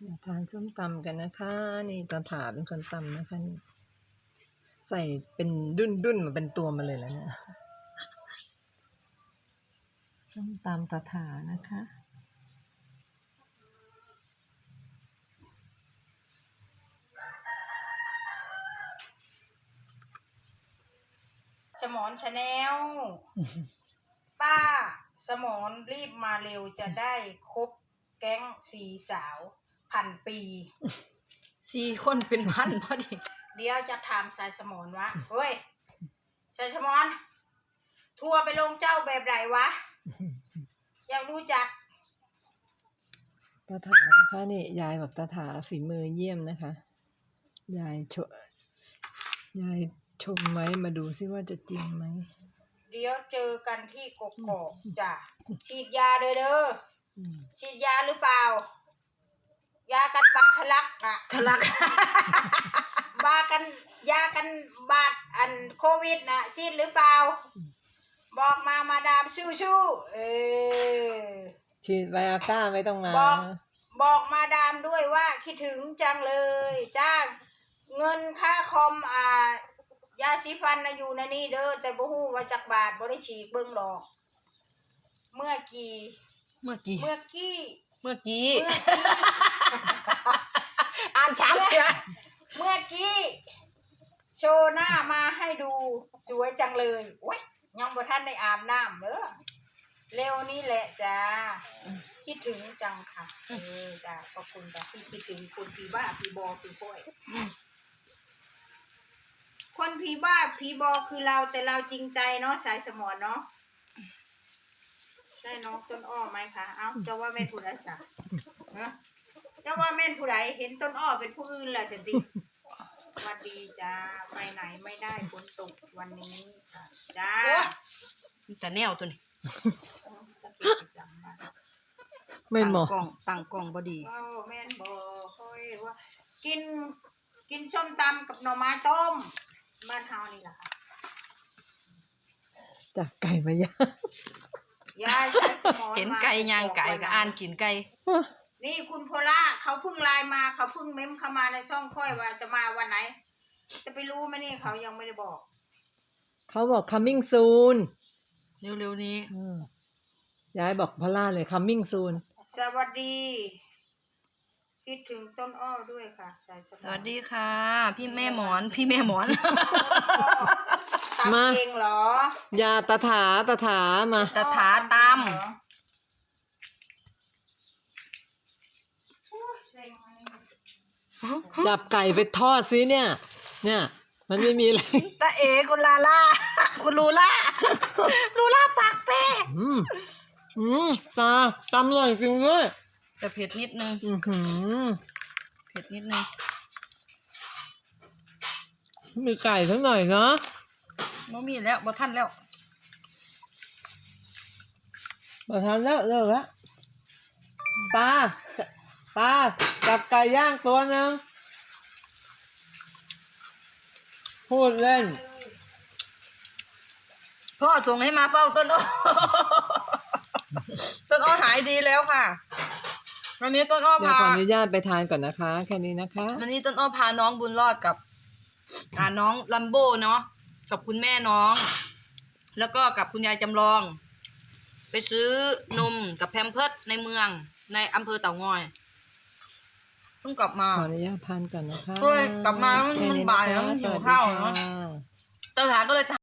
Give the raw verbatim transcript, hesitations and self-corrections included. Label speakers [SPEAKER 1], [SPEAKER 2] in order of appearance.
[SPEAKER 1] มาทานส้มตำกันนะคะนี่ตาถาเป็นคนตำนะคะนี่ใส่เป็นดุ้นดุ้นมาเป็นตัวมาเลยแล้วเนี่ยส้มตำตาถานะคะ
[SPEAKER 2] สมอนชาแนล ป้าสมอนรีบมาเร็วจะได้ครบแก๊งสี่สาวพันปี
[SPEAKER 3] สี่คนเป็นพันพอดี
[SPEAKER 2] เดี๋ยวจะถามสายสมอนวะเฮ้ยสายสมอนทัวร์ไปลงเจ้าแบบไหนวะ อยากรู้จัก
[SPEAKER 1] ตาถานะคะนี่ยายบอกตาถาฝีมือเยี่ยมนะคะยายชยายชมไว้มาดูซิว่าจะจริงไหม
[SPEAKER 2] เดี๋ยวเจอกันที่กกอกจ้ะฉีดยาเด้อเด้อฉีดยาหรือเปล่ายากันบาดทะลักอะ
[SPEAKER 3] ทะลัก
[SPEAKER 2] บากันยากันบาดอันโควิดนะฉีดหรือเปล่าบอกมามาดามชู้ชู้เออ
[SPEAKER 1] ฉีดไวอาก้าไม่ต้องมา
[SPEAKER 2] บอกบอกมาดามด้วยว่าคิดถึงจังเลยจ้างเงินค่าคอมอ่ายาสีฟันนะอยู่ในนี่เด้อแต่บ่ฮู้ว่าจักบาทบ่ได้ฉีกเบิ่งดอก เมื่อกี้
[SPEAKER 3] เมื่อกี้
[SPEAKER 2] เมื่อกี้
[SPEAKER 3] เมื่อกี้
[SPEAKER 2] เมื่อกี้
[SPEAKER 3] อ่านสามเชีย
[SPEAKER 2] เมื่อกี้โชว์หน้ามาให้ดูสวยจังเลยโอ้ยยังบ่ทันได้อาบน้ำเด้อเร็วนี้แหละจ้าคิดถึงจังค่ะเออจ้าขอบคุณจ้าที่คิดถึงคนผีบ้าผีบอผีป่วยคนผีบ้าผีบอคือเราแต่เราจริงใจเนาะสายสมอนเนาะได้น้องต้นอ้อไหมคะเอ้าเจ้าว่าแม่นผู้ใดจ้ะฮะเจ้าว่าแม่นผู้ใดเห็นต้นอ้อเป็นผู้อื่นแหละสิ สวัสดีจ้าไปไหนไม่ได้ฝนตกวันนี้ค่ะจ้า
[SPEAKER 3] มีแต่แนวตัวนี้
[SPEAKER 2] ตะเกียบไปสั่งมา
[SPEAKER 1] ไม่เหมาะ
[SPEAKER 3] ตั้งกล้องตั้งกล้องบ่ดี
[SPEAKER 2] ว้าวแม่นบอค่อยว่ากินกินส้มตำกับหน่อไม้ต้มบ้านเฮานี่แหละค่ะ
[SPEAKER 1] จากไก่มาย่าง
[SPEAKER 2] ยายใช้สมอง
[SPEAKER 3] เห็นไก่ย่างไก่ก็อ่านกินไก่
[SPEAKER 2] นี่คุณโพล่าเขาเพิ่งไลน์มาเขาเพิ่งเม้มเข้ามาในช่องค่อยว่าจะมาวันไหน จะไปรู้ไหมนี่เขายังไม่ได้บอก
[SPEAKER 1] เขาบอก coming soon
[SPEAKER 3] เร็วๆนี้
[SPEAKER 1] อืมยายบอกพล่าเลย coming soon
[SPEAKER 2] สวัสดี คิดถึงต้นอ้อด้วยค่ะสายส
[SPEAKER 3] สวัสดีค่ะ พี่แม่หมอน พี่แม่หมอน
[SPEAKER 2] ตำ
[SPEAKER 1] มา
[SPEAKER 2] เองเหรอย
[SPEAKER 1] าตาถาตาถามา
[SPEAKER 3] ตะถาต
[SPEAKER 1] จับไก่ไปทอดซิเนี่ย เนี่ย มันไม่มีอะไร
[SPEAKER 3] ตาเอคุณลาล่า คุณลูล่า ลูล่าปากแป้
[SPEAKER 1] อืมอืมตาตำอร่อยจริงด้วย
[SPEAKER 3] แต่เผ็ดนิดนึง
[SPEAKER 1] อือหือ
[SPEAKER 3] เผ็ดนิดนึง
[SPEAKER 1] มีไก่สักหน่อยเนาะ
[SPEAKER 3] บ่มีแล้วบ่ทันแล้ว
[SPEAKER 1] มาทานแล้วเลิกแล้วตาตาจับไก่ย่างตัวหนึงพูดเล่น
[SPEAKER 3] พ่อส่งให้มาเฝ้าต้นอ้อ ต้นอ้อหายดีแล้วค่ะ วันนี้ต้นอ้อ
[SPEAKER 1] เดี๋ยว
[SPEAKER 3] พา
[SPEAKER 1] ขออนุญาตไปทานก่อนนะคะ แค่นี้นะคะ
[SPEAKER 3] วันนี้ต้นอ้อพาน้องบุญรอดกับ อ่าน้องลัมโบ้เนาะกับคุณแม่น้อง แล้วก็กับคุณยายจำลอง ไปซื้อนมกับแพมเพิร์สในเมืองในอำเภอเต่างอยเพิ่งกลับมา
[SPEAKER 1] ขออนุญาตทานก่อนนะคะ
[SPEAKER 3] เฮ้ยกลับมามัน
[SPEAKER 1] แค่นี้
[SPEAKER 3] บ่ายแล้ว
[SPEAKER 1] ะคะ
[SPEAKER 3] มันหิว
[SPEAKER 1] สสดี
[SPEAKER 3] ข้าวเนอะ
[SPEAKER 1] ค่ะ
[SPEAKER 3] เจ้าถามก็เลย